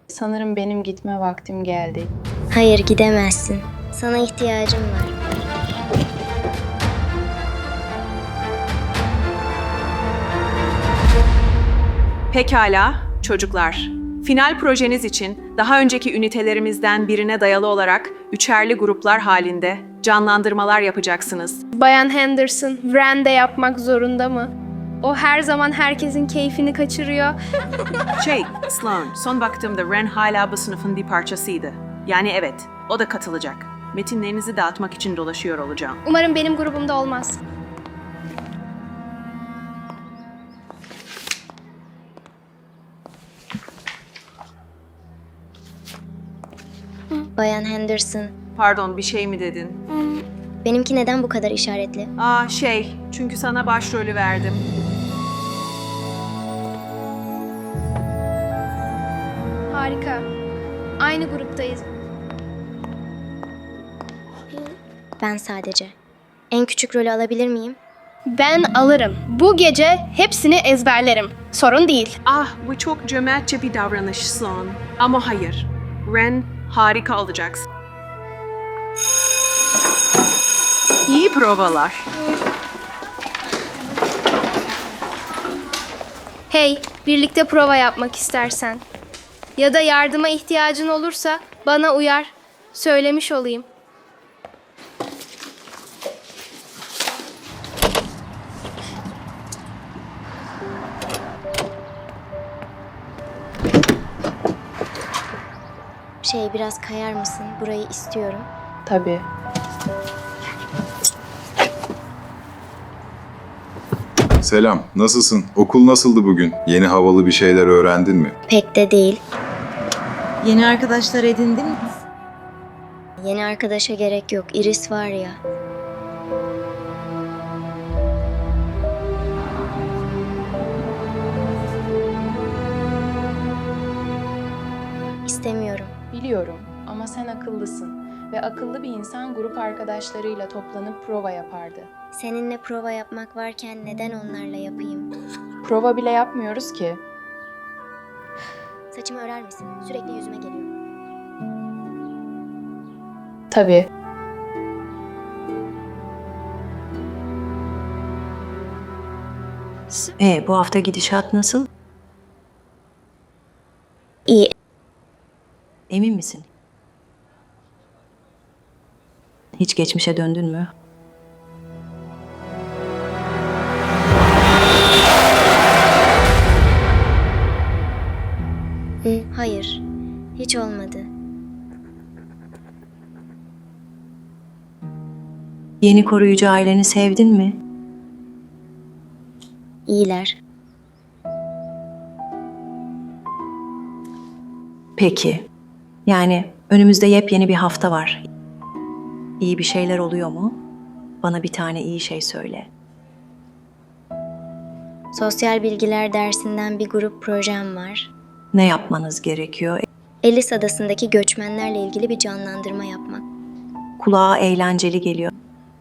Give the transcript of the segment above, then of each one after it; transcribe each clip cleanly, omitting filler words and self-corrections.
Sanırım benim gitme vaktim geldi. Hayır, gidemezsin. Sana ihtiyacım var. Pekala çocuklar. Final projeniz için daha önceki ünitelerimizden birine dayalı olarak üçerli gruplar halinde canlandırmalar yapacaksınız. Bayan Henderson, Wren de yapmak zorunda mı? O her zaman herkesin keyfini kaçırıyor. Sloan, son baktığımda Ren hala bu sınıfın bir parçasıydı. Yani evet, o da katılacak. Metinlerinizi dağıtmak için dolaşıyor olacağım. Umarım benim grubumda olmaz. Bayan Henderson, Pardon, bir şey mi dedin? benimki neden bu kadar işaretli? Çünkü sana başrolü verdim. Harika. Aynı gruptayız. Ben sadece. En küçük rolü alabilir miyim? Ben alırım. Bu gece hepsini ezberlerim. Sorun değil. Bu çok cömertçe bir davranış Sloan. Ama hayır. Ren, harika olacaksın. İyi provalar. Hey, birlikte prova yapmak istersen. Ya da yardıma ihtiyacın olursa bana uyar. Söylemiş olayım. Biraz kayar mısın? Burayı istiyorum. Tabii. Selam, nasılsın? Okul nasıldı bugün? Yeni havalı bir şeyler öğrendin mi? Pek de değil. Yeni arkadaşlar edindin mi? Yeni arkadaşa gerek yok. Iris var ya. İstemiyorum. Biliyorum ama sen akıllısın. Ve akıllı bir insan grup arkadaşlarıyla toplanıp prova yapardı. Seninle prova yapmak varken neden onlarla yapayım? Prova bile yapmıyoruz ki. Saçımı örer misin? Sürekli yüzüme geliyor. Tabii. Bu hafta gidişat nasıl? İyi. Emin misin? Hiç geçmişe döndün mü? Hayır. Hiç olmadı. Yeni koruyucu aileni sevdin mi? İyiler. Peki. Yani önümüzde yepyeni bir hafta var. İyi bir şeyler oluyor mu? Bana bir tane iyi şey söyle. Sosyal bilgiler dersinden bir grup projem var. Ne yapmanız gerekiyor? Ellis Adası'ndaki göçmenlerle ilgili bir canlandırma yapmak. Kulağa eğlenceli geliyor.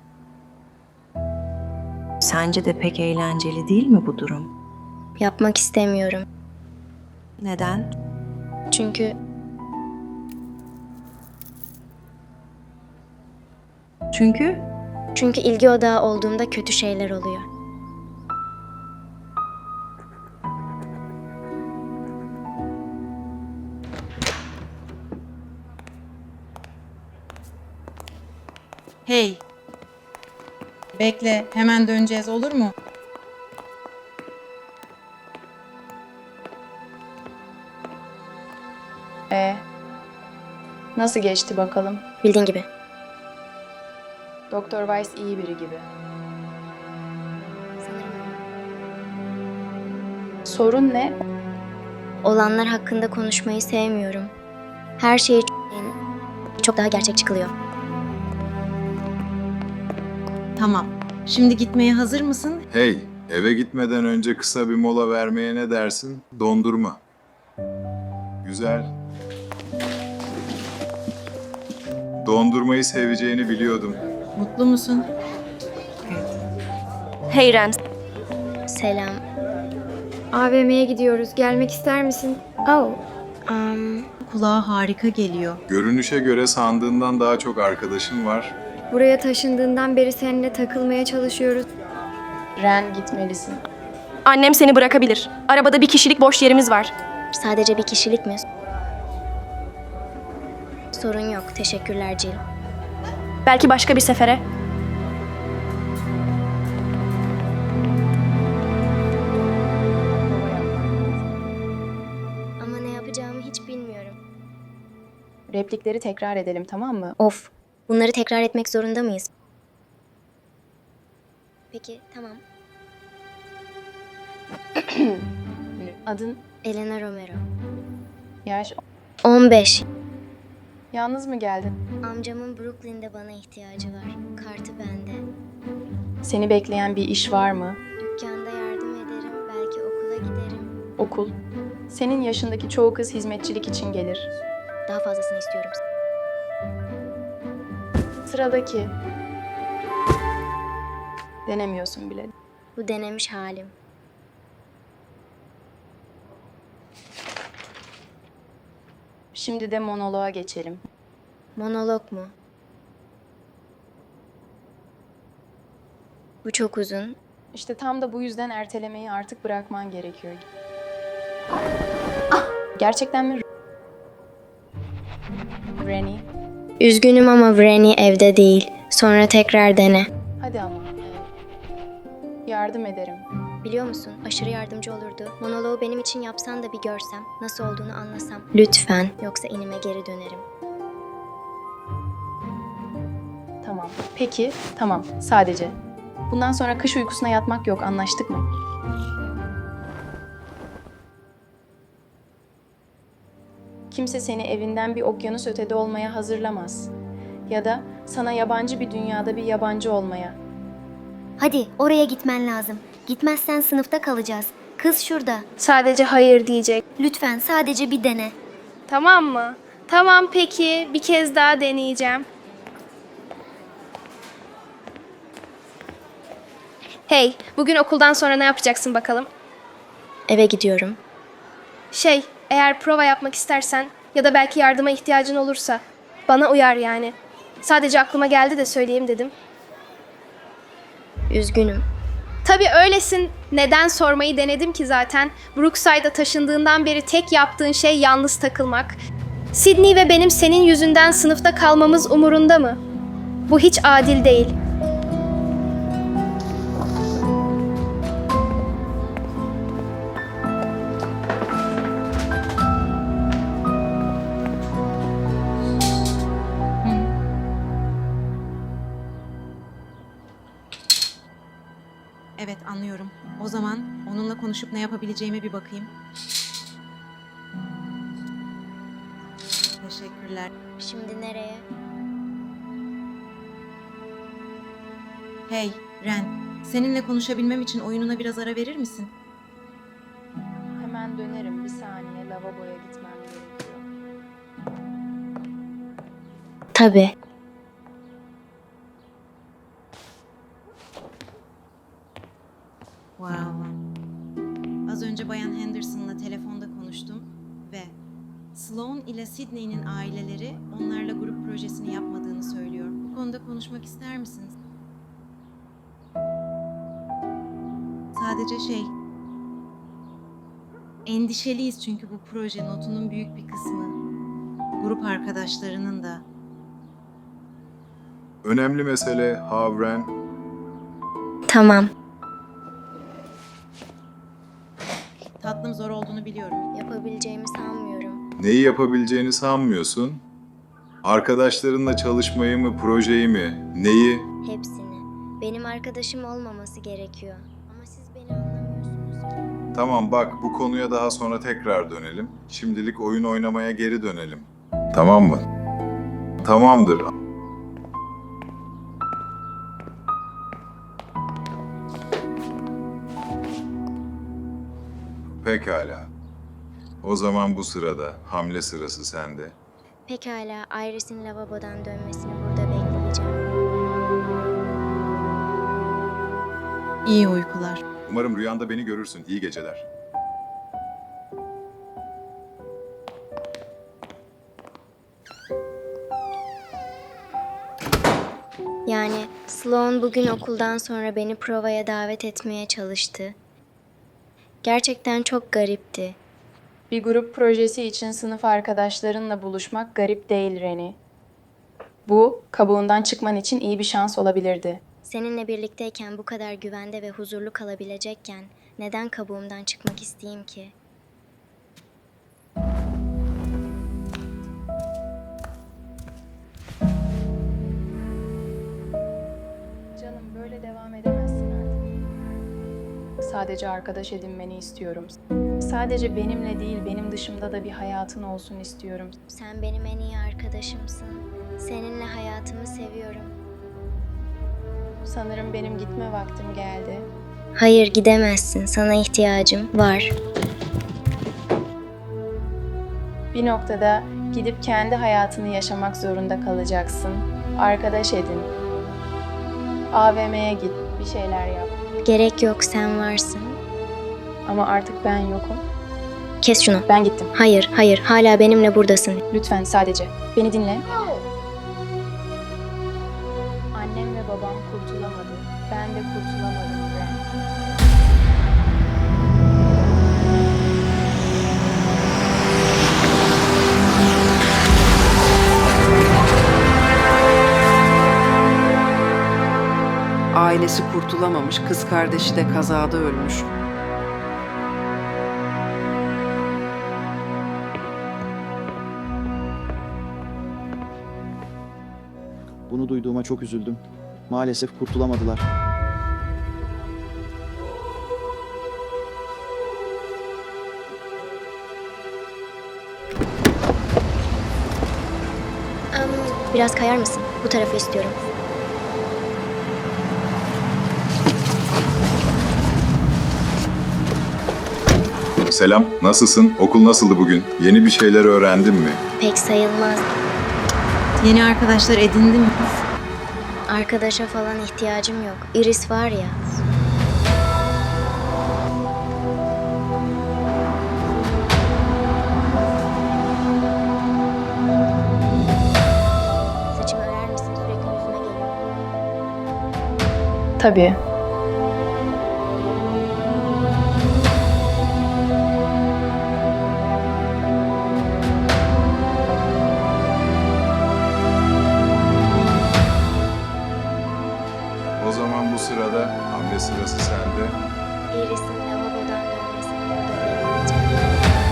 Sence de pek eğlenceli değil mi bu durum? Yapmak istemiyorum. Neden? Çünkü Çünkü ilgi odağı olduğumda kötü şeyler oluyor. Hey. Bekle, hemen döneceğiz olur mu? Nasıl geçti bakalım? Bildiğin gibi. Doktor Weiss iyi biri gibi. Sorun ne? Olanlar hakkında konuşmayı sevmiyorum. Her şey çok daha gerçekçi kılıyor. tamam. Şimdi gitmeye hazır mısın? Hey, eve gitmeden önce kısa bir mola vermeye ne dersin? Dondurma. Güzel. Dondurmayı seveceğini biliyordum. Mutlu musun? Hey Ren. Selam. AVM'ye gidiyoruz. Gelmek ister misin? Oh, Kulağa harika geliyor. Görünüşe göre sandığından daha çok arkadaşın var. Buraya taşındığından beri seninle takılmaya çalışıyoruz. Ren, gitmelisin. Annem seni bırakabilir. Arabada bir kişilik boş yerimiz var. Sadece bir kişilik mi? Sorun yok. Teşekkürler Jill. Belki başka bir sefere. Ama ne yapacağımı hiç bilmiyorum. Replikleri tekrar edelim, tamam mı? Of. Bunları tekrar etmek zorunda mıyız? Peki, tamam. Adın, Elena Romero. yaş, 15. yalnız mı geldin? Amcamın Brooklyn'de bana ihtiyacı var. Kartı bende. Seni bekleyen bir iş var mı? Dükkanda yardım ederim. Belki okula giderim. Okul. Senin yaşındaki çoğu kız hizmetçilik için gelir. Daha fazlasını istiyorum. Sıradaki. Denemiyorsun bile. Bu denemiş halim. Şimdi de monoloğa geçelim. Monolog mu? Bu çok uzun. İşte tam da bu yüzden ertelemeyi artık bırakman gerekiyor. Gerçekten mi? Rennie, Üzgünüm ama Vreni evde değil. Sonra tekrar dene. hadi ama. Yardım ederim. Biliyor musun? Aşırı yardımcı olurdu. Monoloğu benim için yapsan da bir görsem, nasıl olduğunu anlasam. Lütfen. Yoksa inime geri dönerim. Tamam. Peki, tamam. Sadece. Bundan sonra kış uykusuna yatmak yok. Anlaştık mı? Kimse seni evinden bir okyanus ötede olmaya hazırlamaz. Ya da sana yabancı bir dünyada bir yabancı olmaya. Hadi oraya gitmen lazım. Gitmezsen sınıfta kalacağız. Kız şurada. Sadece hayır diyecek. Lütfen sadece bir dene. Tamam mı? Tamam peki. Bir kez daha deneyeceğim. Hey, bugün okuldan sonra ne yapacaksın bakalım? Eve gidiyorum. Eğer prova yapmak istersen ya da belki yardıma ihtiyacın olursa bana uyar yani. Sadece aklıma geldi de söyleyeyim dedim. Üzgünüm. Tabii öylesin. Neden sormayı denedim ki zaten. Brookside'a taşındığından beri tek yaptığın şey yalnız takılmak. Sydney ve benim senin yüzünden sınıfta kalmamız umurunda mı? Bu hiç adil değil. Evet, anlıyorum. O zaman onunla konuşup ne yapabileceğime bir bakayım. Teşekkürler. Şimdi nereye? Hey, Ren. Seninle konuşabilmem için oyununa biraz ara verir misin? Hemen dönerim. Bir saniye lavaboya gitmem gerekiyor. Tabii. Wow. Az önce Bayan Henderson'la telefonda konuştum ve Sloan ile Sydney'nin aileleri onlarla grup projesini yapmadığını söylüyor. Bu konuda konuşmak ister misiniz? Sadece endişeliyiz çünkü bu proje notunun büyük bir kısmı grup arkadaşlarının da. Önemli mesele Havren. Tamam. Tatlım, zor olduğunu biliyorum. Yapabileceğimi sanmıyorum. Neyi yapabileceğini sanmıyorsun? Arkadaşlarınla çalışmayı mı, projeyi mi? Neyi? Hepsini. Benim arkadaşım olmaması gerekiyor. Ama siz beni anlamıyorsunuz. Tamam bak, bu konuya daha sonra tekrar dönelim. Şimdilik oyun oynamaya geri dönelim. Tamam mı? Tamamdır. Pekala. O zaman bu sırada hamle sırası sende. Pekala, Iris'in lavabodan dönmesini burada bekleyeceğim. İyi uykular. Umarım rüyanda beni görürsün. İyi geceler. Yani Sloan bugün okuldan sonra beni provaya davet etmeye çalıştı. Gerçekten çok garipti. Bir grup projesi için sınıf arkadaşlarınla buluşmak garip değil Reni. Bu, kabuğundan çıkman için iyi bir şans olabilirdi. Seninle birlikteyken bu kadar güvende ve huzurlu kalabilecekken neden kabuğumdan çıkmak isteyeyim ki? Canım böyle devam edemezsin artık. Sadece arkadaş edinmeni istiyorum. Sadece benimle değil, benim dışımda da bir hayatın olsun istiyorum. Sen benim en iyi arkadaşımsın. Seninle hayatımı seviyorum. Sanırım benim gitme vaktim geldi. Hayır, gidemezsin. Sana ihtiyacım var. Bir noktada gidip kendi hayatını yaşamak zorunda kalacaksın. Arkadaş edin. AVM'ye git, bir şeyler yap. Gerek yok, sen varsın. Ama artık ben yokum. Kes şunu. Ben gittim. Hayır, hayır. Hala benimle buradasın. Lütfen sadece beni dinle. Annem ve babam kurtulamadı. Ben de kurtulamadım Ren. Ailesi kurtulamamış, kız kardeşi de kazada ölmüş. Bunu duyduğuma çok üzüldüm. Maalesef kurtulamadılar. Biraz kayar mısın? Bu tarafı istiyorum. Selam, nasılsın? Okul nasıldı bugün? Yeni bir şeyler öğrendin mi? Pek sayılmaz. Yeni arkadaşlar edindin mi? Arkadaşa falan ihtiyacım yok. Iris var ya. Saçımı örer misin? Sürekli yüzüme geliyor. Tabii. O zaman bu sırada hamle sırası sende. Iris'in lavabodan dönmesini burada bekleyeceğim.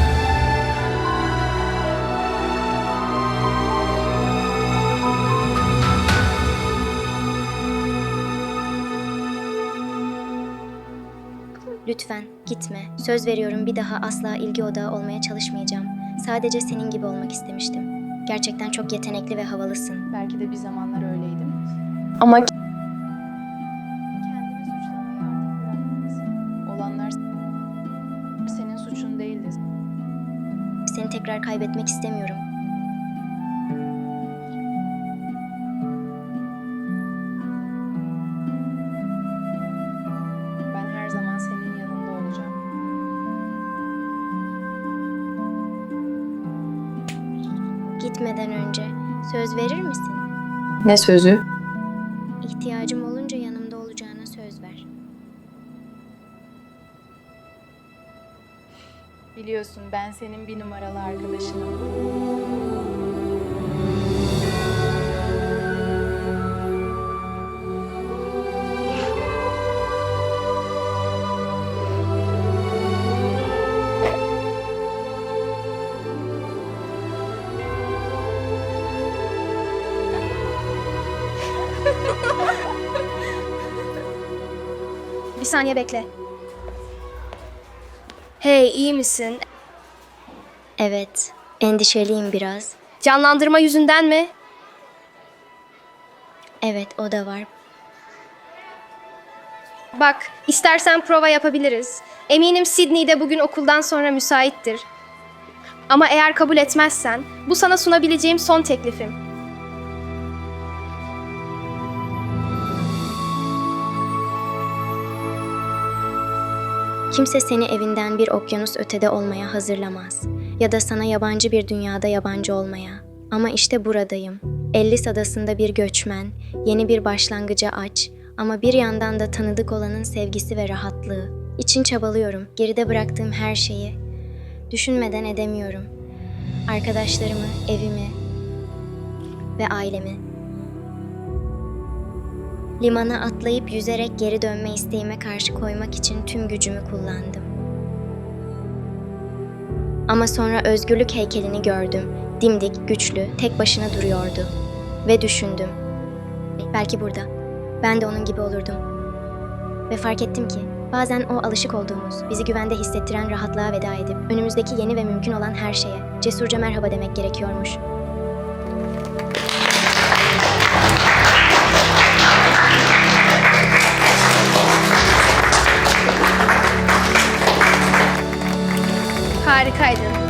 Lütfen gitme. Söz veriyorum, bir daha asla ilgi odağı olmaya çalışmayacağım. Sadece senin gibi olmak istemiştim. Gerçekten çok yetenekli ve havalısın. Belki de bir zamanlar öyleydim. Ama kendini suçlamayı artık bırakmalısın. Olanlar senin suçun değildi. Seni tekrar kaybetmek istemiyorum. Ben her zaman senin yanında olacağım. Gitmeden önce söz verir misin? Ne sözü? İhtiyacım olunca yanımda olacağına söz ver. Biliyorsun ben senin bir numaralı arkadaşınım. Bir saniye bekle. Hey, iyi misin? Evet, endişeliyim biraz. Canlandırma yüzünden mi? Evet, o da var. Bak, istersen prova yapabiliriz. Eminim Sydney de bugün okuldan sonra müsaittir. Ama eğer kabul etmezsen, bu sana sunabileceğim son teklifim. Kimse seni evinden bir okyanus ötede olmaya hazırlamaz. Ya da sana yabancı bir dünyada yabancı olmaya. Ama işte buradayım. Ellis adasında bir göçmen, yeni bir başlangıca aç ama bir yandan da tanıdık olanın sevgisi ve rahatlığı. İçin çabalıyorum, geride bıraktığım her şeyi. Düşünmeden edemiyorum. Arkadaşlarımı, evimi ve ailemi. Limana atlayıp yüzerek geri dönme isteğime karşı koymak için tüm gücümü kullandım. Ama sonra özgürlük heykelini gördüm. Dimdik, güçlü, tek başına duruyordu. Ve düşündüm. Belki burada. Ben de onun gibi olurdum. Ve fark ettim ki bazen o alışık olduğumuz, bizi güvende hissettiren rahatlığa veda edip önümüzdeki yeni ve mümkün olan her şeye cesurca merhaba demek gerekiyormuş. Harikaydın.